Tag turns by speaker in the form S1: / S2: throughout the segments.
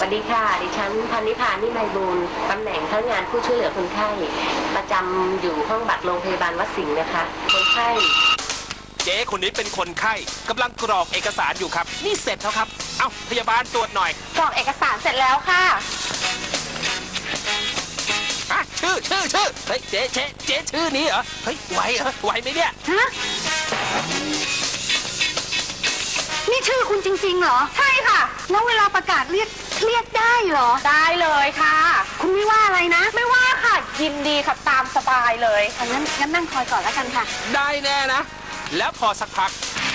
S1: วัสดีค่ะดิฉันพันนิพานิไมบูลย์ตำแหน่งพนักงานผู้ช่วยเหลือคนไข้ประจำอยู่ห้องบัตรโรงพยาบาลวัดสิงห์นะคะคนไข้
S2: เจ๊คนนี้เป็นคนไข้กำลังกรอกเอกสารอยู่ครับนี่เสร็จแล้วครับเอ้าพยาบาลตรวจหน่อย
S3: กรอกเอกสารเสร็จแล้วค่ะ
S2: ชื่อเฮ้ยเจ๊ชื่อนี้เหรอเฮ้ยไหวไหมเนี่ย
S3: ฮะนี่ชื่อคุณจริงๆเหรอใช่ค่ะแล้วเวลาประกาศเรียกได้เหรอได้เลยค่ะคุณไม่ว่าอะไรนะไม่ว่าค่ะยินดีค่ะตามสบายเลยงั้นนั่งคอยก่อนแล้วกันค่ะ
S2: ได้แน่นะแล้วพอสักพัก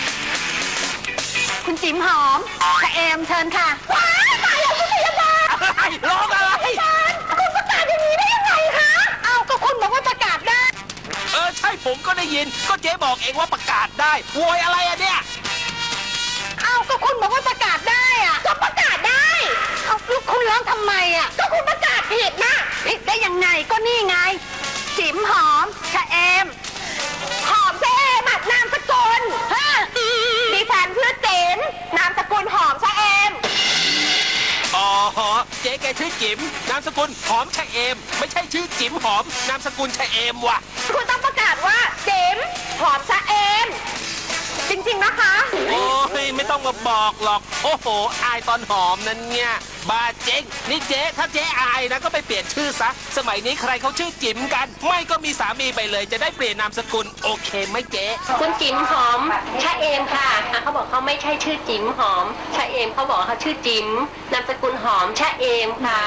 S3: คุณจิ๋มหอมชะเอมเชิญค่ะว้ายตายแล้วคุณพยาบาล
S2: อะไรร้องอะไร
S3: คุณประกาศอย่างนี้ได้ยังไงคะเอาก็คุณบอกว่าประกาศได้
S2: ใช่ผมก็ได้ยินก็เจ๊บอกเองว่าประกาศได้โวยอะไรอะเนี่ย
S3: เอาก็คุณบอกว่าประกาศได้อะก็ประกาศได้เอาลูกคุณร้องทำไมอะก็คุณประกาศผิดนะผิดได้ยังไงก็นี่ไงจิ๋มหอมชะเอมหอมชะเอมนามสกุลดิฉันชื่อจิ๋มนามสกุลหอมชะเอม
S2: อ๋อเจ๊แกชื่อจิ๋มนามสกุลหอมชะเอมไม่ใช่ชื่อจิ๋มหอมนามสกุลชะเอมว่ะ
S3: คุณต้องประกาศว่าจิ๋มหอมชะเอมจริงๆนะคะ
S2: โอ้ยไม่ต้องมาบอกหรอกโอ้โหอายตอนหอมนั่นเนี่ยบาเจ๊งนี่เจ๊ถ้าเจ๊อายนะก็ไปเปลี่ยนชื่อซะสมัยนี้ใครเขาชื่อจิ๋มกันไม่ก็มีสามีไปเลยจะได้เปลี่ยนนามสกุลโอเคไหมเจ๊
S1: คุณจิ๋มหอมชะเอมค่ะเขาบอกเขาไม่ใช่ชื่อจิ๋มหอมชะเอมเขาบอกเขาชื่อจิ๋มนามสกุลหอมชะเอมค่ะ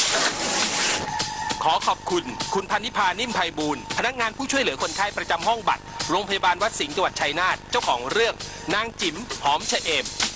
S2: ขอขอบคุณคุณพันนิพานิ่มไพบูลย์พนักงานผู้ช่วยเหลือคนไข้ประจำห้องบัตรโรงพยาบาลวัดสิงห์จังหวัดชัยนาทเจ้าของเรื่องนางจิ๋มหอมชะเอม